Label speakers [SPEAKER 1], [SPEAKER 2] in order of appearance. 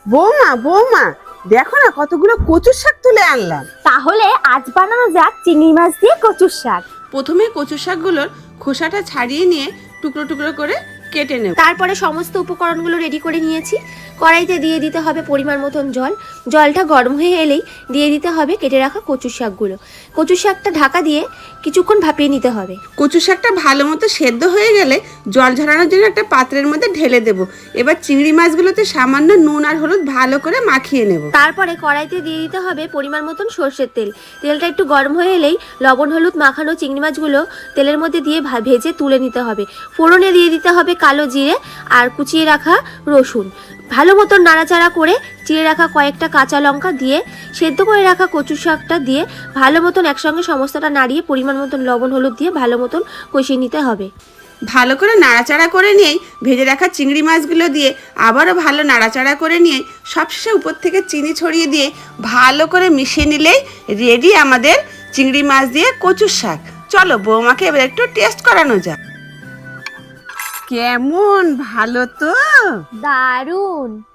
[SPEAKER 1] বৌমা বৌমা, দেখো না কতগুলো কচুর শাক তুলে আনলাম।
[SPEAKER 2] তাহলে আজ বানানো যাক চিংড়ি মাছ দিয়ে কচুর শাক।
[SPEAKER 1] প্রথমে কচু শাকগুলোর খোসাটা ছাড়িয়ে নিয়ে টুকরো টুকরো করে কেটে নেব।
[SPEAKER 2] তারপরে সমস্ত উপকরণগুলো রেডি করে নিয়েছি। কড়াইতে দিয়ে দিতে হবে পরিমাণ মতন জল। জলটা গরম হয়ে এলেই দিয়ে দিতে হবে কেটে রাখা কচুর শাকগুলো। কচুর শাকটা ঢাকা দিয়ে কিছুক্ষণ ভাপিয়ে নিতে হবে।
[SPEAKER 1] কচু শাকটা ভালো মতো সেদ্ধ হয়ে গেলে জল ঝরানোর জন্য একটা পাত্রের মধ্যে ঢেলে দেব। এবার চিংড়ি মাছগুলোতে সামান্য নুন আর হলুদ ভালো করে মাখিয়ে নেব।
[SPEAKER 2] তারপরে কড়াইতে দিয়ে দিতে হবে পরিমাণ মতন সর্ষের তেল। তেলটা একটু গরম হয়ে এলেই লবণ হলুদ মাখানো চিংড়ি মাছগুলো তেলের মধ্যে দিয়ে ভেজে তুলে নিতে হবে। ফোড়নে দিয়ে দিতে হবে কালো জিরে আর কুচিয়ে রাখা রসুন। ভালো মতন নাড়াচাড়া করে চিড়ে রাখা কয়েকটা কাঁচা লঙ্কা দিয়ে সেদ্ধ করে রাখা কচু শাকটা দিয়ে ভালো মতন একসঙ্গে সমস্তটা নাড়িয়ে পরিমাণ মতন লবণ হলুদ দিয়ে ভালো মতন কষিয়ে নিতে হবে।
[SPEAKER 1] ভালো করে নাড়াচাড়া করে নিয়েই ভেজে রাখা চিংড়ি মাছগুলো দিয়ে আবারও ভালো নাড়াচাড়া করে নিয়ে সবশেষে উপর থেকে চিনি ছড়িয়ে দিয়ে ভালো করে মিশিয়ে নিলেই রেডি আমাদের চিংড়ি মাছ দিয়ে কচুর শাক। চলো বৌমাকে এবার একটু টেস্ট করানো যাক। কেমন, ভালো তো?
[SPEAKER 2] দারুণ।